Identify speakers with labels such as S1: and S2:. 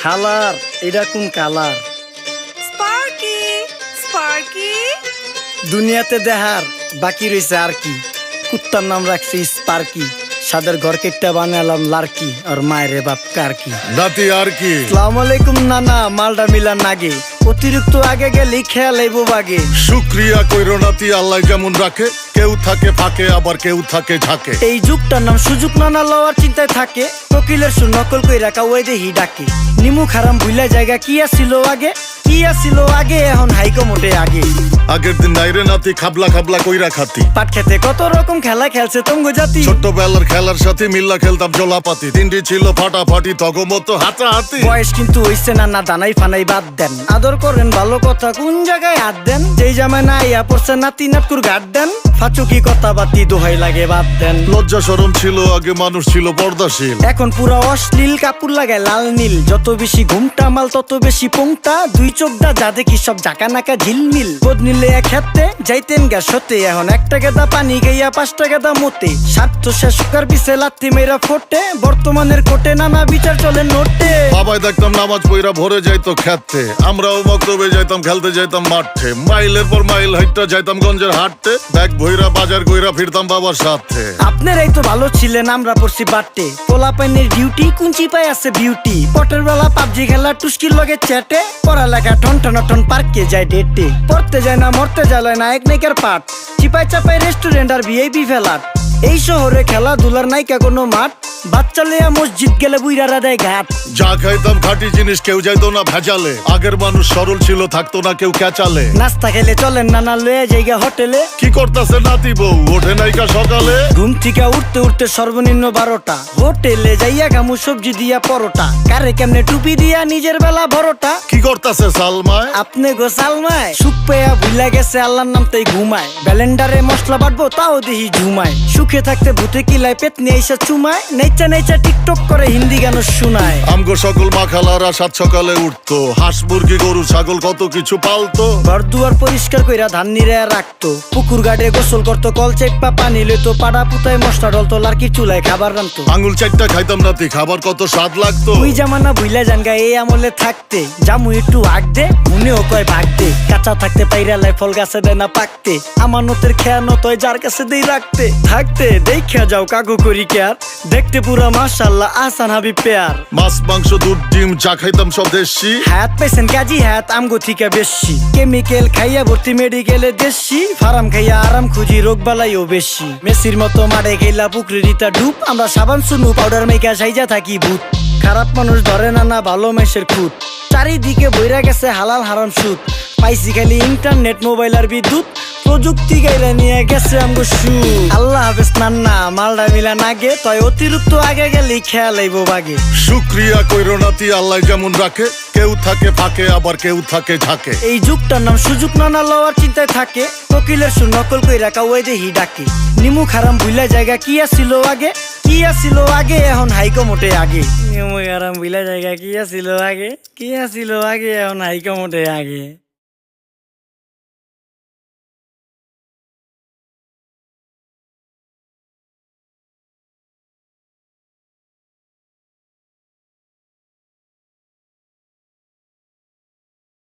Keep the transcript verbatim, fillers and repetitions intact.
S1: হালার এটা কোন কালার?
S2: স্পার্কি স্পার্কি
S1: দুনিয়াতে দেহার বাকি রয়েছে আর কি। কুত্তার নাম রাখছি স্পার্কি, সাদের ঘর কেটটা বানালাম লার্কি, আর মায়ের বাপ কারকি।
S3: নাতি আর কি?
S1: আসসালামু আলাইকুম নানা, মালডা মিলা নাগে, অতিরিক্ত আগে গেলে খেয়াল আইব বাগে।
S3: শুক্রিয়া কইরো নাতি, আল্লাহ যেমন রাখে, কেউ থাকে ফাঁকে আবার কেউ থাকে ঝাঁকে।
S1: এই যুগটার নাম সুযোগ নানা লওয়ার চিন্তায় থাকে, কোকিলের সুর নকল কই রাখা ওই দেহি ডাকে। নিমু খারাম ভুলা জায়গা কি আসিল আগে, কি আসিল আগে, এখন হাইকো মোটে আগে।
S3: আগের দিন নাইরে নাতি খাবলা খাবলা কইরা খাতি,
S1: পাট খেতে কত রকম খেলা খেলছে তঙ্গ জাতি।
S3: ছোট্টবেলার খেলার সাথে মিল্লা খেলতাম জলাপাতি, তিনটি ছিল ফাটাফাটি তগমতো হাতাহাতি।
S1: বয়স কিন্তু হইছে না না, দানাই ফানাই বাদ দেন, আদর করেন ভালো কথা কোন জায়গায় হাত দেন। যেই জামায় না আইয়া পড়ছে নাতি নাটকুর গাট দেন, ফাচুকি কথা বাতি দোহাই লাগে বাদ দেন।
S3: লজ্জা শরম ছিল আগে, মানুষ ছিল পর্দাশীল,
S1: এখন পুরো অশ্লীল কাপড় লাগায় লাল নীল। যত বেশি ঘুমটা মাল তত বেশি পোংটা, দুই চোখটা যা দেখি সব জাকা নাকা ঝিলমিল। বোধ নিলে এক হাতে যাইতেন গ্যাস হতে, এখন একটা গেদা পানি গাইয়া পাঁচটা গেদা মতে। স্বার্থ শেষ কার পিছে লাত্তি মেয়েরা ফোটে, বর্তমানের কোটে নানা বিচার চলে নোটে।
S3: বাবাই দেখতাম নামাজ পইরা ভরে যাইতো খেতে, আমরাও মক্তবে যাইতাম খেলতে যাইতাম মাঠে। মাইলের পর মাইল হাইটটা যাইতাম গঞ্জের হাটতে, ব্যাগ ভইরা বাজার কইরা ফিরতাম বাবার সাথে।
S1: আপনারাই তো ভালো ছিলেন, আমরা পড়ছি বাটে। পোলা পাইনের ডিউটি কুঞ্চি পাই আছে বিউটি, পটের বেলা পাবজি খেলা টুস্কির লগে চ্যাটে। পড়ালেখা ঠন ঠন ঠন পার্কে যায় ডেটে, পড়তে যায় না মরতে যায় না এক নাইকার পাট। চিপাই চাপাই রেস্টুরেন্ট আর ভিআইপি ফেলাট, এই শহরে খেলাধুলার নাইকা কোনো মাঠ। বাচ্চা লেয়া মসজিদ গেলে বুইরারা দেয় ঘাট।
S3: যা খাইতাম খাঁটি জিনিস, কেউ যাইতো না ভেজালে। আগের মানুষ সরল ছিল, থাকতো না কেউ ক্যাচালে।
S1: নাস্তা খেলে চলেন নানা লয়ে জায়গা হোটেলে।
S3: কি করতাছে নাতি বউ, ওঠে নাইকা সকালে।
S1: ঘুম থেকে উঠতে উঠতে সর্বনিম্ন বারোটা, হোটেলে যাইয়া গামু সবজি দিয়া পরোটা। কারে কেমনে টুপি দিয়া নিজের বেলা বড়টা।
S3: কি করতাছে সালমায়?
S1: আপনি গো সালমায় সুখ পেয়া ভুলা গেছে আল্লাহর নাম তাই ঘুমায়। ব্যালেন্ডারে মশলা বাটবো তাও দেহি ঝুমায়, সুখে থাকতে ভূতে কিলায় পেট নিয়ে এসে চুমায়। নেচা নেচা টিকটক করে হিন্দি গান শোনায়।
S3: আমগো সকল মাখালারা সাত সকালে উঠতো, হাঁস মুরগি গরু ছাগল কত কিছু পালতো।
S1: ঘর দুয়ার পরিষ্কার কইরা ধান নিরে রাখতো, পুকুর গাড়ে গোসল করতো, কল চেপা পানি লইতো। পাড়া পুতায় মশলা ডলতো, লার্কি চুলায় খাবার রান্তো।
S3: আঙুল চারটা খাইতাম নাতি, খাবার কত স্বাদ লাগতো।
S1: ওই জামানা ভুইলা জানগা এই আমলে থাকতে, জামু একটু আগ দে মনেও কয় ভাগ দে। কাঁচা থাকতে পাইরালায় ফল গাছে দেয় না পাকতে, আমানতের খেয়ানত হয় যার কাছে দেই রাখতে। থাকতে দেখা যাও কাগু করি কেয়ার, দেখতে পুরা মাশাআল্লাহ আহসান হাবিব পেয়ার।
S3: মাছ মাংস দুধ ডিম চা খাইতাম সব দেশি,
S1: হাত পেছেন কাজী হাত আমগো থিকা বেশি। কেমিক্যাল খাইয়া ভর্তি মেডিকেলে দেশি, ফার্ম খাইয়া আরাম খুঁজি রোগ বালাইও বেশি। মেসির মতো মারে গেলা পুকুরে রিতা ডুব, আমরা সাবান সুনু পাউডার মেকা সাইজা থাকি ভূত। খারাপ মানুষ ধরে না না ভালো মেসের খুঁত, চারিদিকে বইরা গেছে হালাল হারাম সুদ। পাইছি খালি ইন্টারনেট মোবাইল আর বিদ্যুৎ, প্রযুক্তি গাইলা নিয়ে গেছে আমগো সু। আল্লাহ হাফেজ নান্না, মালডা মিলা নাগে, তয় অতিরিক্ত আগে গেলে খেয়াল আইব বাগে।
S3: শুক্রিয়া কইরো নাতি, আল্লাহ যেমন রাখে, কেউ থাকে ফাঁকে আবার কেউ থাকে ঝাঁকে।
S1: এই যুগটার নাম সুযোগ নানা লওয়ার চিন্তায় থাকে, কোকিলের সুর নকল কই রাখা ওই দেহি ডাকে। নিমু খারাম ভুলা জায়গা কি আসিল আগে, কি আসিল আগে, এখন হাইকো মোটে আগে। নিমু খারাম ভুলা জায়গা কি আসিল আগে, কি আসিল আগে, এখন হাইকো মোটে আগে।